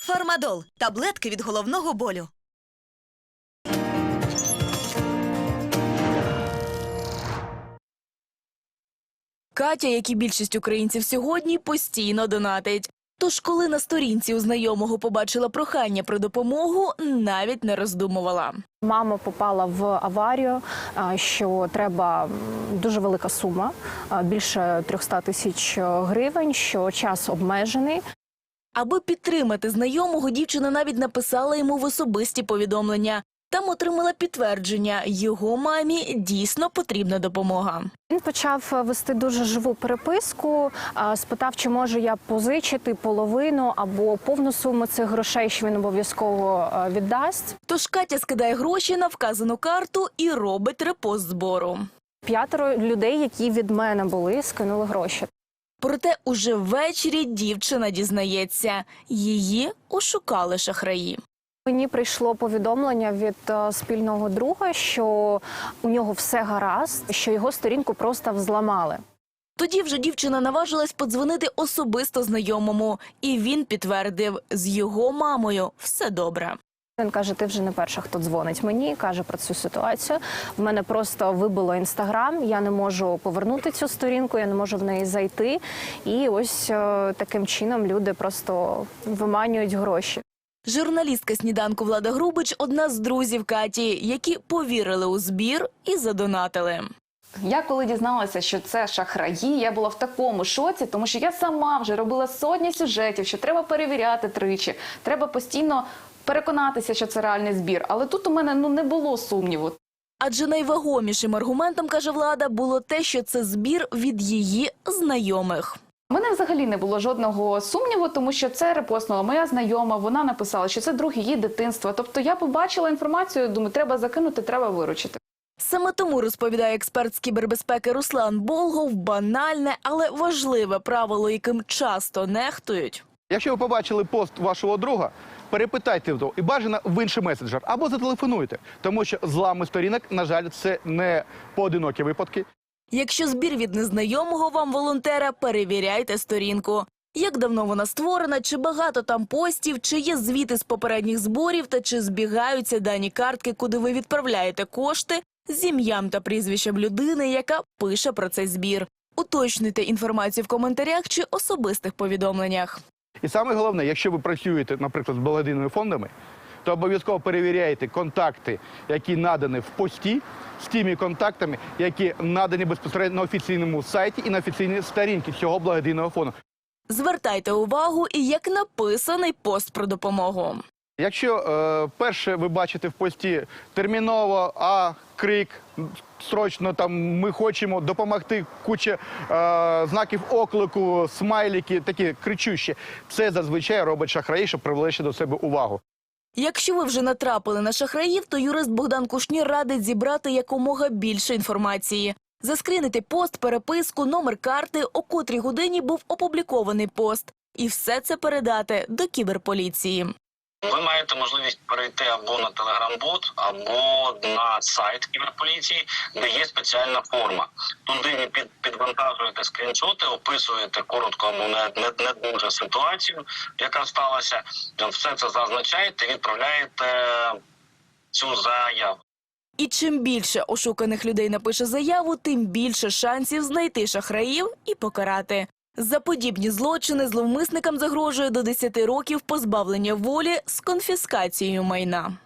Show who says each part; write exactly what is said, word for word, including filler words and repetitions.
Speaker 1: Фармадол – таблетки від головного болю.
Speaker 2: Катя, як і більшість українців сьогодні, постійно донатить. Тож, коли на сторінці у знайомого побачила прохання про допомогу, навіть не роздумувала.
Speaker 3: Мама попала в аварію, що треба дуже велика сума, більше трьохсот тисяч гривень, що час обмежений.
Speaker 2: Аби підтримати знайомого, дівчина навіть написала йому в особисті повідомлення. Там отримала підтвердження – його мамі дійсно потрібна допомога.
Speaker 3: Він почав вести дуже живу переписку, спитав, чи можу я позичити половину або повну суму цих грошей, що він обов'язково віддасть.
Speaker 2: Тож Катя скидає гроші на вказану карту і робить репост збору.
Speaker 3: П'ятеро людей, які від мене були, скинули гроші.
Speaker 2: Проте уже ввечері дівчина дізнається – її ошукали шахраї.
Speaker 3: Мені прийшло повідомлення від спільного друга, що у нього все гаразд, що його сторінку просто взламали.
Speaker 2: Тоді вже дівчина наважилась подзвонити особисто знайомому. І він підтвердив – з його мамою все добре.
Speaker 3: Він каже, ти вже не перша, хто дзвонить мені, каже про цю ситуацію. В мене просто вибило Інстаграм, я не можу повернути цю сторінку, я не можу в неї зайти. І ось таким чином люди просто виманюють гроші.
Speaker 2: Журналістка «Сніданку» Влада Грубич – одна з друзів Каті, які повірили у збір і задонатили.
Speaker 4: Я коли дізналася, що це шахраї, я була в такому шоці, тому що я сама вже робила сотні сюжетів, що треба перевіряти тричі, треба постійно переконатися, що це реальний збір. Але тут у мене ну, не було сумніву.
Speaker 2: Адже найвагомішим аргументом, каже Влада, було те, що це збір від її знайомих.
Speaker 4: У мене взагалі не було жодного сумніву, тому що це репостнула моя знайома, вона написала, що це друг її дитинства. Тобто я побачила інформацію, думаю, треба закинути, треба виручити.
Speaker 2: Саме тому, розповідає експерт з кібербезпеки Руслан Болгов, банальне, але важливе правило, яким часто нехтують.
Speaker 5: Якщо ви побачили пост вашого друга, перепитайте його і бажано в інший меседжер або зателефонуйте, тому що злами сторінок, на жаль, це не поодинокі випадки.
Speaker 2: Якщо збір від незнайомого вам волонтера, перевіряйте сторінку. Як давно вона створена, чи багато там постів, чи є звіти з попередніх зборів, та чи збігаються дані картки, куди ви відправляєте кошти, з ім'ям та прізвищем людини, яка пише про цей збір. Уточнюйте інформацію в коментарях чи особистих повідомленнях.
Speaker 5: І саме головне, якщо ви працюєте, наприклад, з благодійними фондами, то обов'язково перевіряйте контакти, які надані в пості, з тими контактами, які надані безпосередньо на офіційному сайті і на офіційній сторінці цього благодійного фонду.
Speaker 2: Звертайте увагу і як написаний пост про допомогу.
Speaker 5: Якщо е, перше ви бачите в пості терміново, а крик, срочно там ми хочемо допомогти, куча е, знаків оклику, смайлики, такі кричущі, це зазвичай робить шахраї, щоб привлечь до себе увагу.
Speaker 2: Якщо ви вже натрапили на шахраїв, то юрист Богдан Кушнір радить зібрати якомога більше інформації. Заскрінити пост, переписку, номер карти, о котрій годині був опублікований пост. І все це передати до кіберполіції.
Speaker 6: Ви маєте можливість перейти або на телеграм-бот, або на сайт кіберполіції, де є спеціальна форма. Туди ви під, підвантажуєте скріншоти, описуєте коротко або не, не, не дуже ситуацію, яка сталася. Все це зазначаєте і відправляєте цю заяву.
Speaker 2: І чим більше ошуканих людей напише заяву, тим більше шансів знайти шахраїв і покарати. За подібні злочини зловмисникам загрожує до десяти років позбавлення волі з конфіскацією майна.